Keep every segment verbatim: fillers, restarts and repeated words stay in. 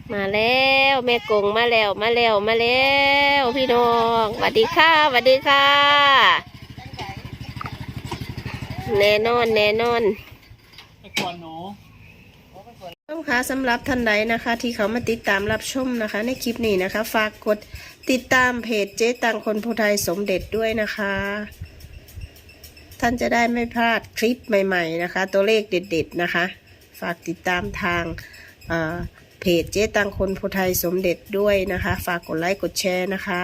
มาแล้วแม่กงมาแล้วมาแล้วมาแล้วพี่น้องสวัสดีค่ะสวัสดีค่ะแน่นอนแน่นอนต้องค่ะสำหรับท่านใดนะคะ ที่เขามาติดตามรับชมนะคะ ในคลิปนี้นะคะ ฝากกดติดตามเพจเจ๊ตังคนผู้ไทยสมเด็จด้วยนะคะ ท่านจะได้ไม่พลาดคลิปใหม่ๆนะคะ ตัวเลขเด็ดๆนะคะ ฝากติดตามทางเพจเจ๊ตังคนผู้ไทยสมเด็จด้วยนะคะ ฝากกดไลค์กดแชร์นะคะ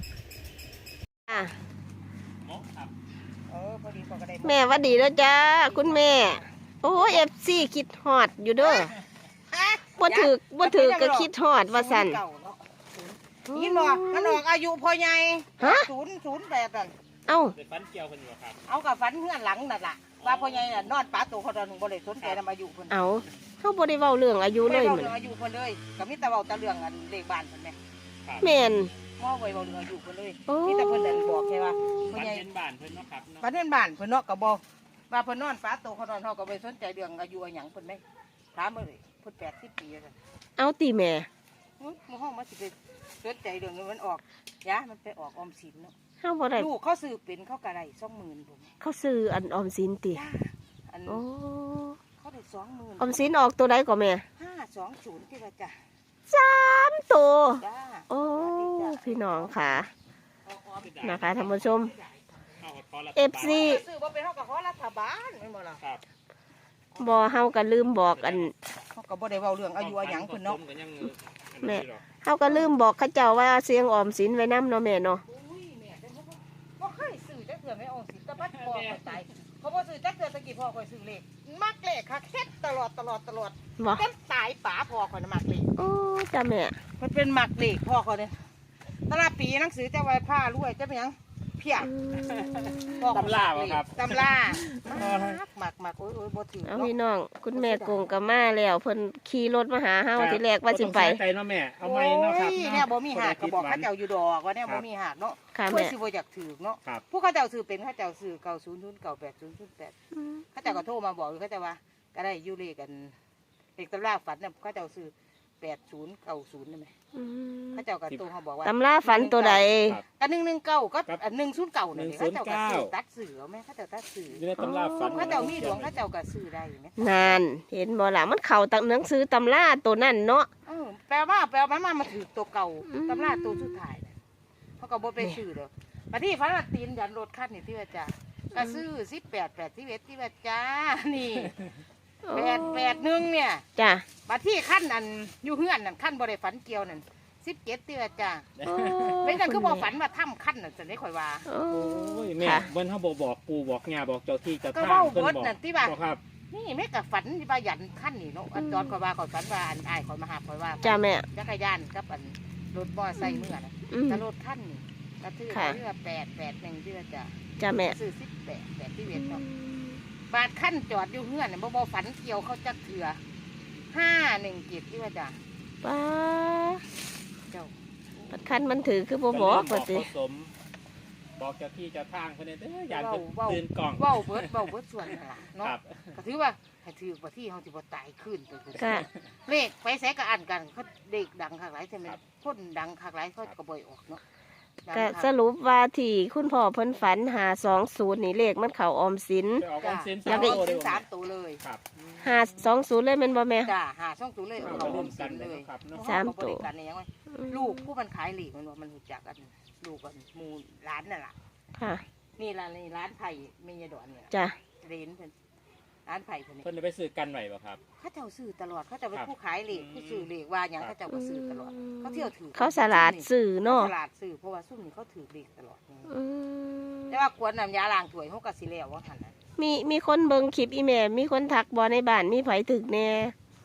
แม่วัดดีแล้วจ้าคุณแม่โอ้เอฟซีคิดฮอดอยู่เด้อบ่ถือบ่ถือก็คิดฮอดว่าสั่นยินบ่มันออกอายุพอใหญ่ศูนย์ศูนย์แปดนั่นเอ้าฝันเกี่ยวกันอยู่ครับเอากับฝันเฮือนหลังนั่นล่ะว่าพอใหญ่น่ะนอนป้าตัวเขาตอนนึงบ่ได้สนใจนำอายุเพิ่นเอาเฮาบ่ได้เว้าเรื่องอายุเลยเหมือนเรื่องอายุเพิ่นเลยก็มีแต่เว้าแต่เรื่องอันเลขบ้านเพิ่นแม่แม่นมอไว้เว้าเรื่องอายุเพิ่นเลยมีแต่เพิ่นนั่นบอกแค่ว่าพอใหญ่ฝันเห็นบ้านเพิ่นเนาะครับฝันเห็นบ้านเพิ่นเนาะก็บ่ว่าเพิ่นนอนป้าตัวเขาตอนเฮาก็บ่สนใจเรื่องอายุหยังเพิ่นแม่ถามเพิ่นเพิ่นแปดสิบปีแล้วเอาติแม่มื้อห้องมันสิไปสนใจเรื่องนี้มันออกยะมันไปออกออมสินเนาะเฮาบ่ได้ลูกเขาซื้อเป็นเขาก็ได้ สองหมื่น ผมเขาซื้ออันออมสินติอันโอ้เขาได้ สองหมื่นออมสินออกตัวใดก่อแม่ห้าสองศูนย์ที่ว่าจ้ะสามตัวโอ้พี่น้องค่ะนะคะท่านผู้ชม เอฟ ซีซื้อบ่เป็นเฮาก็ขอรัฐบาลแม่นบ่ล่ะครับบ่เฮาก็ลืมบอกอันเฮาก็บ่ได้เว้าเรื่องอายุอาหยังเพิ่นเนาะแม่เฮาก็ลืมบอกเขาเจ้าว่าเสียงออมสินไว้นำเนาะแม่เนาะบ่เคยซื้อจักเทื่อแม่ออมสินตะบัดพ่อข่อยตายเขาบ่ซื้อจักเทื่อตะกี้พ่อข่อยซื้อเลขมักเลขคักเฮ็ดตลอดตลอดตลอดจนตายป๋าพ่อข่อยน่ะมักเลขโอ้จ้าแม่มันเป็นมักเลขพ่อข่อยเนี่ยตลาดปีหนังสือจะไว้ผ้ารวยจะเป็นหยังเพียบตำล่าครับตำล่าหมักหมักโอ้ยโอ้ยบ่ถือเอาพี่น้องคุณแม่กงกับมาแล้วเพิ่นขี่รถมาหาเฮาทีแรกว่าสิไปใจเนาะแม่เอาไม้เนาะครับเนี่ยบ่มีหาดก็บอกเขาเจ้าอยู่ดอกว่าเนี่ยบ่มีหาดเนาะเพื่อสิบ่อยากถือเนาะผู้เขาเจ้าซื้อเป็นเขาเจ้าซื้อเก้าศูนย์ศูนย์เก้าแปดศูนย์ศูนย์แปดเขาเจ้าก็โทรมาบอกเขาเจ้าว่าก็ได้อยู่เลขกันเลขตำราฝันเนี่ยเขาเจ้าซื้อแปดศูนย์เก้าศูนย์นี่ไหมเขาเจ้ากับตัวเขาบอกว่าตำราฝันตัวใดกันหนึ่งหนึ่งเก้าก็อันหนึ่งศูนย์เก้าเนี่ยเขาเจ้ากับซื้อตัดสื่อไหมเขาเจ้าตัดสื่ออยู่ในตำราฝันเขาเจ้ามีดวงเขาเจ้ากับซื้อได้ไหมนานเห็นบ่ล่ะมันเข่าตังหนังสือตำราตัวนั่นเนาะแปลว่าแปลว่ามันมาถือตัวเก่าตำราตัวสุดท้ายเขาก็บ่ไปซื้อเด้อปฏิฟันละตีนยันรถคันนี่ที่ว่าจ้าก็ซื้อสิบแปดแปดที่เวทที่ว่าจ้านี่แปดแปดหนึ่งเนี่ยจ้ะบัดที่ขั้นอันอยู่เฮือนนั่นขั้นบริฝันเกี่ยวนั่นสิบเจ็ดเตื้อจ้าไม่ใช่คือบอกฝันว่าถ้ำขั้นนั่นจะได้ข่อยว่าโอ้ยแม่เบิ้ลเขาบอกบอกปูบอกงาบอกเจ้าที่เจ้าทางเพิ่นบอกนั่นที่ว่าครับนี่แม่กับฝันที่ว่ายันขั้นนี่เนาะอันจอดข่อยว่าข่อยฝันว่าอันอายข่อยมาหาข่อยว่าจ้าแม่จักรยานกับอันรถมอไซค์เมื่อน่ะแต่รถขั้นนี่กระทืบเรือแปดแปดหนึ่งที่ว่าจ้าจ้าแม่ซื้อสิบแปดแปดที่เวทเนาะบาดขั้นจอดอยู่เฮือนเนี่ยบ่บ่ฝันเกี่ยวเขาจักเถื่อห้าหนึ่งเจ็ดที่ว่าจ้ะป้าเจ้าบัดขั้นมันถือคือบ่บอกว่าสิบอกเจ้าที่เจ้าทางเพิ่นเด้ออย่าตื่นกล่องเว้าเบิดเว้าเบิดส่วนนั่นล่ะเนาะก็ถือว่าให้ถือบ่ที่เฮาสิบ่ตายขึ้นไปพุ่นเลขไปแสก็อ่านกันเขาเด็กดังคักหลายใช่มั้ยคนดังคักหลายเขาก็บ่ออกเนาะก็สรุปว่าที่คุณพ่อเพิ่นฝันหาสองศูนย์นี่เลขมันเข่าออมสินแล้วก็อีกสามตัวเลยหาสองศูนย์เลยมันบ่แม่จ้าหาสองศูนย์เลยเขาออมสินเลยสามตัวลูกผู้มันขายหลีกมันว่ามันหูจักกันลูกกันมูร้านนั่นแหละค่ะนี่ร้านนี่ร้านไผ่เมียดอนเนี่ยจ้ะเรนเพิ่นร้านไผ่เพิ่นเพิ่นไปซื้อกันไหวป่ะครับเขาเจ้าซื้อตลอดเขาจะเป็นผู้ขายเหล็กผู้ซื้อเหล็กว่าอย่างเขาเจ้าก็ซื้อตลอดเขาเที่ยวถือเขาสลัดซื้อเนาะสลัดซื้อเพราะว่าซุ่มนี่เขาถือเหล็กตลอดแต่ว่าควรนำยาล้างถ้วยเขาก็สิแล้วว่าหันมีมีคนเบิ่งคลิปอีแม่มีคนทักบอในบ้านมีไผถึกแน่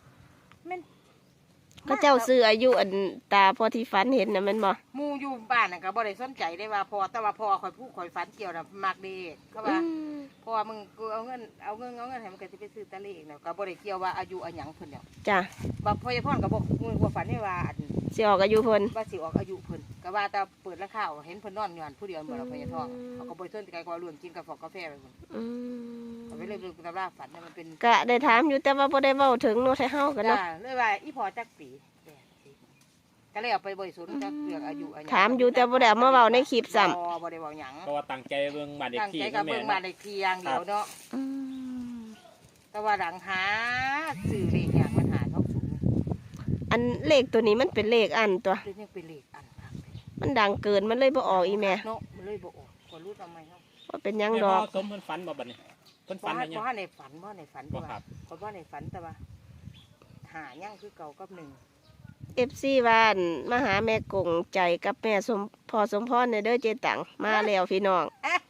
เขาเจ้าซื้ออายุอันตาพอที่ฝันเห็นน่ะมันบ่มูอยู่บ้านน่ะก็บ่ได้สนใจได้ว่าพอแต่ว่าพอคอยพูดคอยฝันเกี่ยวน่ะมักเด็กเขาว่าพอมึงกูเอาเงินเอาเงินเอาเงินให้มันก็สิไปซื้อตะเลขน่ะก็บ่ได้เกี่ยวว่าอายุอันหยังเพิ่นแล้วจ้ะบ่พ่อพ่อก็บ่ว่าฝันได้ว่าอันสิออกอายุเพิ่นว่าสิออกอายุเพิ่นก็ว่าแต่เปิดราคาเห็นเพิ่นนอนอยู่หั่นผู้เดียวบ่ล่ะพญาทองเขาก็บ่สนใจก็เรื่องกินกาแฟกาแฟไปพุ่นอืมก็ไปเรื่องเรื่องตำราฝันน่ะมันเป็นกะได้ถามอยู่แต่ว่าบ่ได้เว้าถึงเนาะให้เฮากันจ้าเนาะเลยว่าอีพอจักปีแปดสิบก็เลยเอาไปบริสุทธิ์จักเรื่องอายุอายุถามอยู่แต่บ่ได้เอามาเว้าในคลิปซ้ำบ่บ่ได้เว้าหยังเพราะว่าตั้งใจเบิ่งบ้านเด็กตั้งที่ใจนะกับแม่เบิ่งมาเนาะในเที่ยงเดียวเนาะอืมแต่ว่าหลังหาสื่อเลขอย่างมันหาท้องสูงอันเลขตัวนี้มันเป็นเลขอันตัวเรื่องยังเป็นเลขอันครับมันดังเกินมันเลยบ่ออกอีแม่เนาะมันเลยบ่ออกคนรู้ทำไมเนาะว่าเป็นหยังแม่ดพ่ออก สมเพิ่นฝันบ่บัดนี้เพิ่นเพฝันราะอะไรว่ายังเพราะในฝันเพราะในฝันบ่แต่ครัว่าบเพราะว่าในฝันแต่ว่าหายังคือเก่ากับหนึ่งเอฟซีบ้านมาหาแม่กงใจกับแม่สมพอสมพรในเด้อเจตังมาแล้วพี่น้อง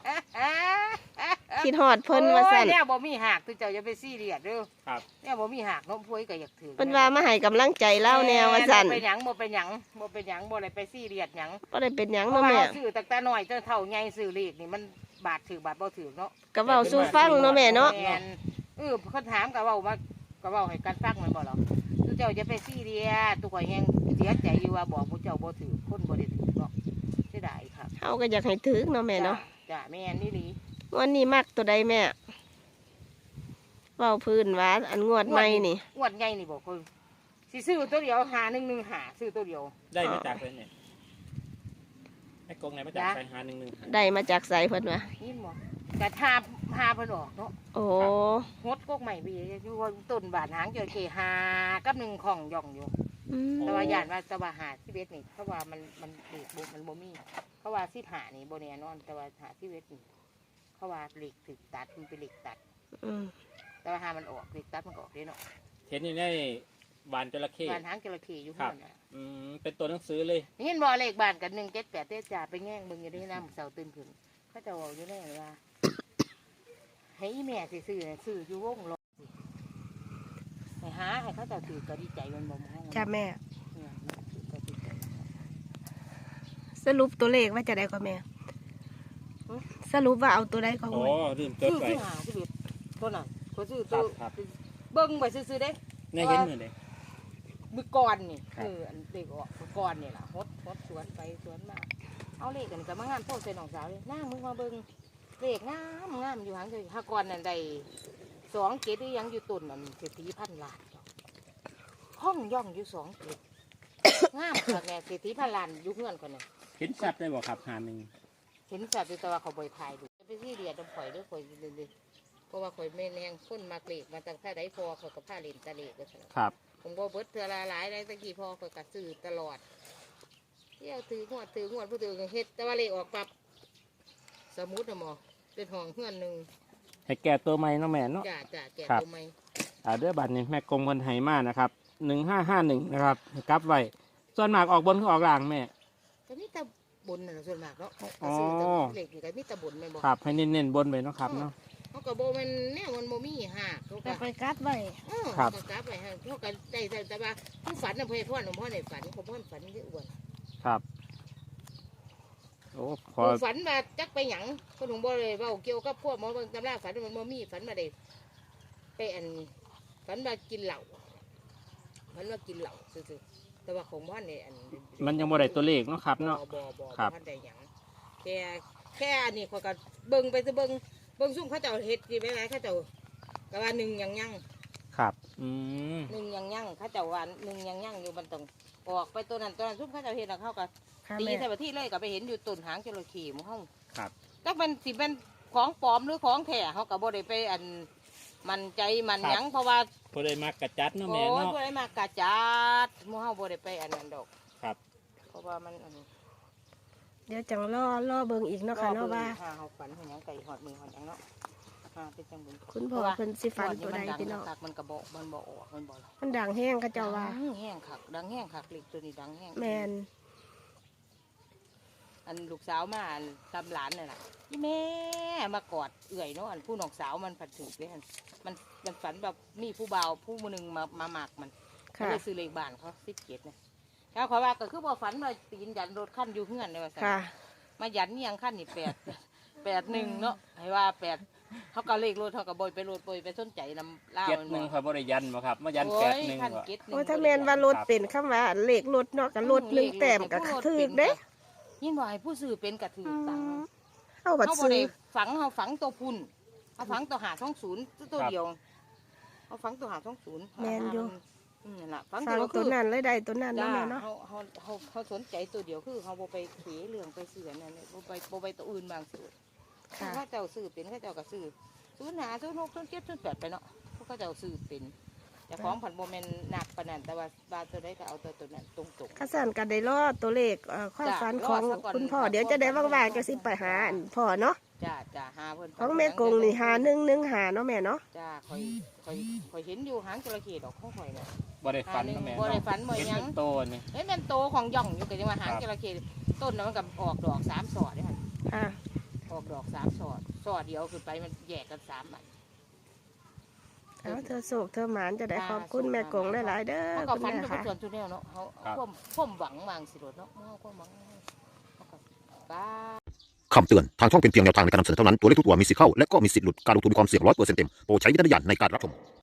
คิดฮอดเพิ่นว่าซั่นโอ้ยเนี่ยบ่มีหักตัวเจ้าอย่าไปซีเรียสเด้อครับเนี่ยบ่มีหักน้องพวยก็อยากถือเพิ่นว่ามาให้กำลังใจเล่าแนวว่าซั่นบ่เป็นหยังบ่เป็นหยังบ่เป็นหยังบ่ได้ไปซีเรียสหยังบ่ได้เป็นหยังเพราะเนาะว่าแม่เราซื้อตั้งแต่น้อยจนเท่าใหญ่ซื้อเลขนี่มันบาทถือบาทบ่ถือเนาะก็เว้าสู่ฟังเนาะแม่เนาะแม่นเออเขาถามก็เว้ามาก็เว้าให้กันฟังแมันบ่หรอตัวเจ้าจะไปซีเรียสตัวข่อยยังเสียใจอยู่ว่าบอกผู้เจ้าบ่ถือคนบ่ได้ถือเนาะเสียดายครับเฮาก็อยากให้ถึกเนาะแม่เนาะจ้ะแม่นนี่หลีวันนี้มักตัวใดแม่เว้าพื้นว่าอันงวดใหม่นี่งวดใหญ่นี่บ่คือสิซื้อตัวเดียวหาหนึ่งหนึ่งหาซื้อตัวเดียวได้มาจากเลยเนี่ยไอ้กงไหนมาจากจ้ะใส่หาหนึ่งหนึ่งได้มาจากไสเพิ่นว่านี่บ่กะทาหาเพิ่นออกเนาะโอ้ฮดกกใหม่บีอยู่ว่าต้นบาทหางเจอเคหากับหนึ่งของย่องอยู่อืมแต่ว่าย่านว่าแตะว่าหาที่เวทนี่เพราะว่ามันมันเหล็กบุมันบ่มีเพราะว่าสิบหานี่บ่แน่นอน แต่ว่าหาที่เวทนี่เพราะว่าเหล็กถึกตัดมันเป็นเหล็กตัดอืมแต่ว่าหามันออกเหล็กตัดมันก็ออกเด้เนาะเห็นอยู่ในบานจระเข้บานหางจระเข้อยู่ครัข้าบงน่ะอืมเป็นตัวหนังสือเลยเห็นบ่เลขบ้านกันหนึ่งเจ็ดแปดเต้จ่าไปแง่งเบิ่งอยู่ในน้ำเสาตื่นขึ้นเขาจะบอกอยู่แน่เลยว่าให้อีแม่สิซื้อน่ะซื้ออยู่วงรถสิให้หาให้เขาเจะถือก็ดีใจมันบ่มองจ้าแม่เนี่ยถือก็ดีใจสรุปตัวเลขว่าจะได้ก็แม่หือสรุปว่าเอาตัวใดก็โอ้หวยลืมจซื้ดอไว้ที่หาที่เบ็ดตัวนั้นเขาซื้อครัตัวบครับเบิ้งไปซื้อๆเด้เนี่ยเห็นมือเลยมือก่อนนี่ครับคืออันเด็กออกมือก่อนนี่ล่ะฮดฮดสวนไปสวนมาเอาเลขกันกับมางานโทษใส่น้องสาวเลยน้ามึงมาเบิ้งเลขงามงามอยู่หางเลยถ้าก่อนนั่นได้สองเกตหรือยังอยู่ตุนนั่นเศรษฐีพันล้านห้องย่องอยู่สองเกตงามค่ะแม่เศรษฐีพันล้านอยู่เงื่อนคนน่ะเห็นชัดได้บ่ครับหาหนึ่งเห็นสัตว์แต่ว่าเขาบ่อยถ่ายดูจะไปที่เรียดน้ำข่อยด้วยข่อยเลยๆเพราะว่าข่อยแม่นแรงคนมากเลกมาตั้งแต่ใดพอข่อยกับผ้าเลนตะเลกก็ใช่ครับผมก็เบิดเทือละหลายได้ตะกี้พอข่อยกัดซื้อตลอดเที่ยวถืองวดถืองวดผู้ถือเฮ็ดแต่ว่าเลขออกปรับสมุดนะหมอเป็นห้องเพื่อนหนึ่งให้แก่ตัวใหม่เนาะแม่เนาะจ่าจ่าแก่ครับตัวไหมอ่าเด้อบัตรนี่แม่กงคนไทยมานะครับหนึ่งห้าห้าหนึ่งนะครับกลับไว้ส่วนมากออกบนก็ออกล่างแม่ก็มีแตะบนน่ะส่วนมากเนาะอ๋อซื้อแต่เลขนี่ก็มีแตะบนแม่นบ่ครับให้เน้นๆบนไปเนาะครับเนาะเขาก็บ่แมันแนวมันบ่มีหักเขาแต่ก็ไปกัดไว้อ้อครับเขาก็กลับไปให้เขาก็ได้แต่แต่ว่าผู้ฝันน่ะเพิ่นพ่อหลวงพ่อในฝันเขาพ่อฝันเยอะอ้วนครับโอ้ขอฝันมาจักไปหยังคนหลวงบ่เลยเว้าเกี่ยวกับพวกหมอเบิ่งตำราฝันมันบ่มีฝันมาได้ไปอันฝันมากินเหล้าฝันว่ากินเหล้าซื่อๆแต่ว่าของบ้านเนี่ยอันมันยังบ่ได้ตัวเลขเนาะครับเนาะบ่บ่บ่ครับบ่ได้หยังแค่แค่อันนี้เขาก็เบิ่งไปซะเบิ่งเบิ่งซุ่มเขาเจ้าเฮ็ดสิไปไหนเขาเจ้าก็ว่าหนึ่งยังยังครับอืมหนึ่งยังยังเขาเจ้าว่าหนึ่งยังยังอยู่มันต้องออกไปตัวนั้นตัวนั้นซุ่มเขาเจ้าเฮ็ดแล้วเขาก็ค่ะตีแม่ใส่ประที่เลยก็ไปเห็นอยู่ต้นหางจระเข้หมู่เฮาครับถ้ามันสิเป็นของปลอมหรือของแท้เขาก็บ่ได้ไปอันมันใจมันหยังเพราะว่าพอได้มากระจัดเนาะโอ้แม่ยเนาะบ่ได้มากระจัดหมู่เฮาบ่ได้ไปอันนั้นดอกครับเพราะว่ามันอันเดี๋ยวจังล่อล่อเบิ่งอีกเนาะค่ะเนาะว่าหาเฮาฝันเฮาหยังไก่หอดมือหอดหยังเนาะหาเป็นจังบุญคุณพ่อเพิ่นสิฝันตัวใดพี่น้องคักมันก็บ่มันบ่ออกมันบ่มันดังแห้งเขาเจ้าว่าดังแห้งคักดังแห้งคักเล็กตัวนี้ดังแห้งแมนอันลูกสาวมาอันตำหลานนี่ล่ะอีแม่มากอดเอื่อยเนาะอันผู้น้องสาวมันผัดถึกเด้อันมันมันฝันแบบมีผู้บ่าวผู้มือหนึงมามาหมักมัน ก็ค่ะเลยซื้อเลขบ้านเขาสิบเจ็ดนะแล้วขอว่าก็คือบ่ฝันว่าตีนยันรถขั้นอยู่เฮือนเลยว่าซั่นค่ะมายันนี่ยังขั้นนี่แปด แปดหนึ่งเนาะให้ว่าแปดเขาก็เลขรถเขาก็บอยไปรถบอยไปสนใจนำล่าเจ็ดมันหนึ่งบ่ครับบริยันบ่ครับมายันโอ้แปดยหนึ่งขั้นบ่เจ็ดหนึ่งโอ้ถ้าแม่นว่ารถเป็นคำว่าเลขรถเนาะก็รถหนึ่งแต้มก็ถึกเด้รยินบ่ให้ผู้ซื้อเป็นกระถือตังค์เอาบัดเขาบ่ซื้อได้ฝังเขาฝังตัวพุ่นเขาฝังตัวหาท้องศูนย์ตัวเดียวเขาฝังตัวหาท้องศูนย์แม่นอยู่อืมนั่นล่ะฝังฟังตัวตัคืวอนั้นเลยได้ตัวนั้นจ้าเนาะแม่เนาะเขาเขาเขาเขาสนใจตัวเดียวคือเขาบ่ไปเขยเรื่องไปเสือนั่นเนี่ยบ่ไปบ่ไปตัวอื่นบางสิค่ะเขาเจ้าซื้อเป็นเขาเจ้าก็ซื้อศูนย์หาศูนย์หกศูนย์เจ็ดศูนย์แปดไปเนาะเขาเจ้าซื้อเป็นแต่ของผันโบแมนหนักปานนั้นแต่ว่าบาตัวได้ก็เอาตัวตัวนั้นตรงๆข้าสันก็ได้รอตัวเลขเอ่อความจ้ะฝันของรอซะก่อนคุณพ่อค่ะเดี๋ยวจะได้ว่างๆจะสิไปหาอันพ่อเนาะจ้าจ้าหาเพิ่นของแม่กงนี่หาหนึ่งหนึ่งหาเนาะแม่เนาะจ้าคอยคอยคอยเห็นอยู่หางจระเข้ดอกของข่อยน่ะบ่ได้ฝันนะแม่บ่ได้ฝันบ่เห็นหยังเป็นโตนี่เฮ้ยแม่นโตของย่องอยู่ก็จะมาหางครับจระเข้ต้นน่ะมันก็ออกดอกสามสอดเด้ค่ะค่ะออกดอกสามสอดสอดเดียวขึ้นไปมันแยกกันสามอันเอาเธอโศกเธอหมานจะได้ขอบคุณแม่กงหลายๆเด้อเขาก็คุณฝันแม่เป็นค่ะส่วนตัวแนวเนาะเขาความความหวังวางสิโดดเนาะเขาความหวังเขาก็บ้าคำเตือน ทางช่องเป็นเพียงแนวทางในการนำเสนอเท่านั้น ตัวเลขทุกตัวมีสิทธิ์เข้า และก็มีสิทธิ์หลุด การลงทุนมีความเสี่ยงร้อยเปอร์เซ็นต์เต็ม โปรดใช้วิจารณญาณในการรับชม